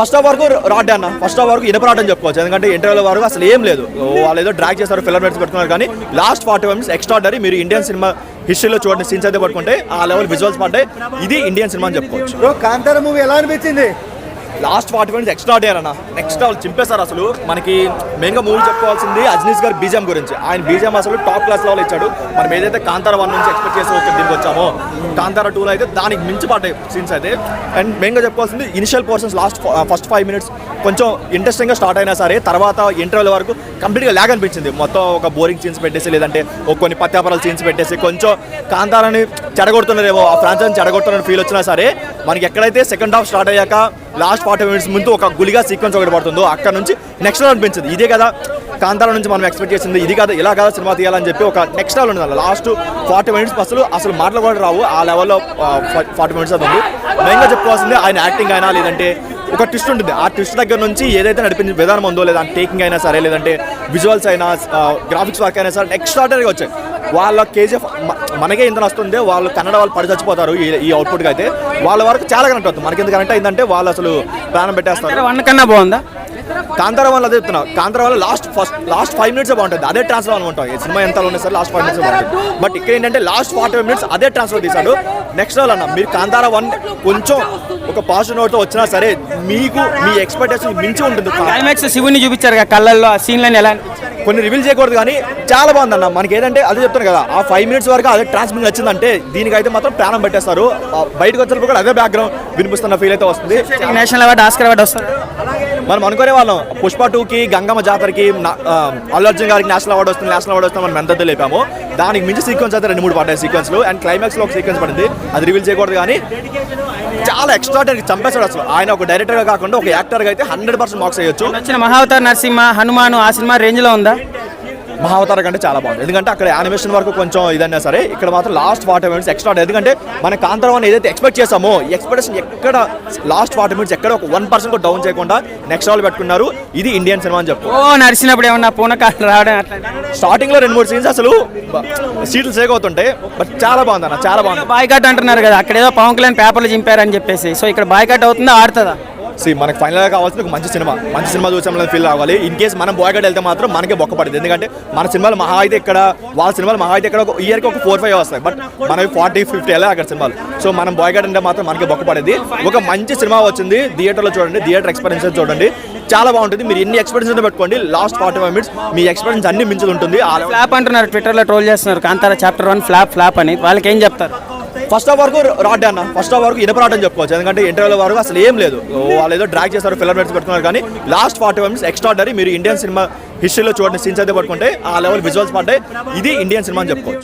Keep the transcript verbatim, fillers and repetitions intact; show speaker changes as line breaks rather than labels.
First half వరకు rod అన్న first half వరకు ఇనపరాట్ అని చెప్పుకోవచ్చు. ఎందుకంటే ఇంటర్వ్యూల వరకు అసలు ఏం లేదు, వాళ్ళు ఏదో డ్రాగ్ చేస్తారు, ఫిల్లర్ మినిట్స్ పెట్టుకున్నారు. కానీ లాస్ట్ ఫార్టీ మినిట్స్ ఎక్స్ట్రాడరీ. మీరు ఇండియన్ సినిమా హిస్టరీలో చూడండి, సీన్స్ అయితే పట్టుకుంటే ఆ లెవెల్ విజువల్స్ పడ్డాయి. ఇది ఇండియన్ సినిమా అని చెప్పుకోవచ్చు.
బ్రో కాంతార మూవీ ఎలా అనిపించింది?
Last forty minutes extraordinary అన్న, నెక్స్ట్ వాళ్ళు చింపేశారు. అసలు మనకి మెయిన్గా మూవీ చెప్పుకోవాల్సింది అజ్నీస్ గారి బీజం గురించి. ఆయన బీజం అసలు టాప్ క్లాస్ లెవెల్ ఇచ్చాడు. మనం ఏదైతే కాంతార వన్ నుంచి ఎక్స్పెక్ట్ చేసి వచ్చి దీనికి వచ్చామో, కాంతార టూలో అయితే దానికి మించి పడ్డాయి సీన్స్ అయితే. అండ్ మెయిన్గా చెప్పుకోవాల్సింది initial portions last first five minutes కొంచెం ఇంట్రెస్టింగ్గా స్టార్ట్ అయినా సరే, తర్వాత ఇంటర్వ్యూల వరకు కంప్లీట్గా ల్యాగ్ అనిపించింది. మొత్తం ఒక బోరింగ్ సీన్స్ పెట్టేసి, లేదంటే ఒక కొన్ని పత్యాపరాల సీన్స్ పెట్టేసి కొంచెం కాంతారాన్ని చెడగొడుతున్నారేమో, ఆ ఫ్రాంచైజీని చెడగొడుతున్న ఫీల్ వచ్చినా సరే, మనకి ఎక్కడైతే సెకండ్ హాఫ్ స్టార్ట్ అయ్యాక లాస్ట్ ఫార్టీ మినిట్స్ ముందు ఒక గులిగా సీక్వెన్స్ ఒకటి పడుతుందో అక్కడ నుంచి నెక్స్ట్ లెవెల్ అనిపించింది. ఇదే కదా కాంతార నుంచి మనం ఎక్స్పెక్ట్ చేసింది, ఇది కదా ఇలా కదా సినిమా తీయాలని చెప్పి ఒక నెక్స్ట్ లెవెల్ ఉంది. లాస్ట్ ఫార్టీ మినిట్స్ అసలు అసలు మాటలు కూడా రావు, ఆ లెవెల్లో ఫార్టీ మినిట్స్ అది ఉంది. మెయిన్గా చెప్పుకోవాల్సింది ఆయన యాక్టింగ్ అయినా, లేదంటే ఒక ట్విస్ట్ ఉంటుంది, ఆ ట్విస్ట్ దగ్గర నుంచి ఏదైతే నడిపించిన విధానం ఉందో, లేదా టేకింగ్ అయినా సరే, లేదంటే విజువల్స్ అయినా, గ్రాఫిక్స్ వర్క్ అయినా సరే ఎక్స్ట్రాడనరీగా వచ్చాయి. వాళ్ళ కేజీఎఫ్ మనకే ఇంత వస్తుంది, వాళ్ళు కన్నడ వాళ్ళు పడి చచ్చిపోతారు ఈ అవుట్పుట్కి అయితే. వాళ్ళ వరకు చాలా కనెక్ట్ అవుతుంది. మనకి ఎంత కనెక్ట్ అయిందంటే వాళ్ళు అసలు ప్రాణం పెట్టేస్తారు.
వన్ కన్నా బాగుందా
కాంతార వల్ల? అదే చెప్తున్నా, కాంతార వల్ల last first last five minutes బాగుంటుంది, అదే ట్రాన్స్ఫర్ అనుకుంటాం. ఈ సినిమా ఎంత ఉన్నాయి సార్, లాస్ట్ ఫైవ్ మినిట్స్ బాగుంటుంది. బట్ ఇక్కడ ఏంటంటే లాస్ట్ ఫార్టీ ఫైవ్ మినిట్స్ అదే ట్రాన్స్ఫర్ తీశాడు. నెక్స్ట్ లెవెల్ అన్న. మీరు కాంతార వన్ కొంచెం ఒక పాజిటివ్ నోట్తో వచ్చినా సరే, మీకు మీ ఎక్స్పెక్టేషన్ మించి ఉంటుంది.
క్లైమాక్స్ శివుని చూపించారు కదా కళ్ళల్లో, ఆ సీన్లని ఎలా
కొన్ని రివీల్ చేయకూడదు, కానీ చాలా బాగుందన్న. మనకి ఏదంటే అదే చెప్తాను కదా, ఆ ఫైవ్ మినిట్స్ వరకు అదే ట్రాన్స్మిట్ వచ్చిందంటే దీనికైతే మాత్రం ప్రాణం పెట్టేస్తారు. బయటకు వచ్చినప్పుడు కూడా అదే బ్యాక్గ్రౌండ్ వినిపిస్తున్న ఫీల్ అయితే వస్తుంది.
నేషనల్ అవార్డు, ఆస్కర్ అవార్డు వస్తుంది.
మనం అనుకునే వాళ్ళం పుష్ప టూకి, గంగమ్మ జాతరకి, అల్లు అర్జున్ గారికి నేషనల్ అవార్డు వస్తుంది, నేషనల్ అవార్డు వస్తుంది మనం ఎంత లేపాము. దానికి మించి సీక్వెన్స్ అయితే రెండు మూడు పడ్డాయి సీక్వెన్స్లు. అండ్ క్లైమాక్స్లో ఒక సీక్వెన్స్ పడింది, అది రివీల్ చేయకూడదు, కానీ చాలా ఎక్స్ట్రాడనరీ చంపేశాడు అసలు. ఆయన ఒక డైరెక్టర్గా కాకుండా ఒక యాక్టర్గా అయితే హండ్రెడ్ పర్సెంట్ మార్క్స్ వేయొచ్చు.
వచ్చిన మహావతార్ నరసింహ, హనుమాను ఆ సినిమా రేంజ్లో ఉందా?
మహావతార కంటే చాలా బాగుంది. ఎందుకంటే అక్కడ యానిమేషన్ వరకు కొంచెం ఇదన్నా సరే, ఇక్కడ మాత్రం లాస్ట్ ఫార్టీ మినిట్స్ ఎక్స్ట్రా. ఎందుకంటే మన కాంతార వన్ ఏదైతే ఎక్స్పెక్ట్ చేసామో, ఎక్స్పెక్టేషన్ ఎక్కడ లాస్ట్ ఫార్టీ మినిట్స్ ఎక్కడ ఒక వన్ పర్సెంట్ కూడా డౌన్ చేయకుండా నెక్స్ట్ లెవెల్ పెట్టుకున్నారు. ఇది ఇండియన్ సినిమా అని చెప్పు.
ఓ నడిచినప్పుడు ఏమన్నా పూనకాలు రావడం అట్లా
స్టార్టింగ్ లో రెండు మూడు సీన్స్ అసలు సీట్లు సేక్ అవుతుంటాయి. బట్ చాలా బాగుంది అన్న, చాలా బాగుంది.
బాయ్కాట్ అంటున్నారు కదా, అక్కడ ఏదో పవన్ కళ్యాణ్ పేపర్లు చింపారని చెప్పేసి, సో ఇక్కడ బాయ్కాట్ అవుతుందా, ఆడుతుందా?
సి మనకు ఫైనల్గా కావాల్సింది ఒక మంచి సినిమా, మంచి సినిమా చూసామని ఫీల్ అవ్వాలి. ఇన్ కేసు మనం బాయ్కాట్ వెళ్తే మాత్రం మనకే బొక్క పడుతుంది. ఎందుకంటే మన సినిమాలు మహా అయితే ఇక్కడ, వాళ్ళ సినిమాలు మహా అయితే ఇక్కడ ఒక ఇయర్కి ఒక ఫోర్ ఫైవ్ వస్తాయి, బట్ మనవి ఫార్టీ ఫిఫ్టీ వెళ్ళాలి అక్కడ సినిమాలు. సో మనం బాయ్కాట్ అంటే మాత్రం మనకే బొక్క పడేది. ఒక మంచి సినిమా వచ్చింది, థియేటర్లో చూడండి, థియేటర్ ఎక్స్పీరియన్స్ చూడండి, చాలా బాగుంటుంది. మీరు ఎన్ని ఎక్స్పీరియన్స్ పెట్టుకోండి, లాస్ట్ ఫార్టీ ఫైవ్ మినిట్స్ మీ ఎక్స్పీరియన్స్ అన్ని మించి ఉంటుంది.
ఫ్లాప్ అంటున్నారు, ట్విట్టర్లో ట్రోల్ చేస్తున్నారు Kantara chapter one flop flop అని. వాళ్ళకి ఏం చెప్తారు?
ఫస్ట్ హాఫ్ వరకు రాడ్ అన్న, ఫస్ట్ హాఫ్ వరకు ఇనపరాట్ అని చెప్పుకోవచ్చు. ఎందుకంటే ఇంటర్వ్యూల వరకు అసలు ఏం లేదు, వాళ్ళు ఏదో డ్రాగ్ చేస్తారు, ఫిల్లర్ మినిట్స్ పెట్టుకున్నారు. కానీ last forty five minutes extraordinary. మీరు ఇండియన్ సినిమా హిస్టరీలో చూడండి, సీన్స్ అయితే పట్టుకుంటే ఆ లెవెల్ విజువల్స్ పడ్డాయి. ఇది ఇండియన్ సినిమా అని చెప్పుకోవచ్చు.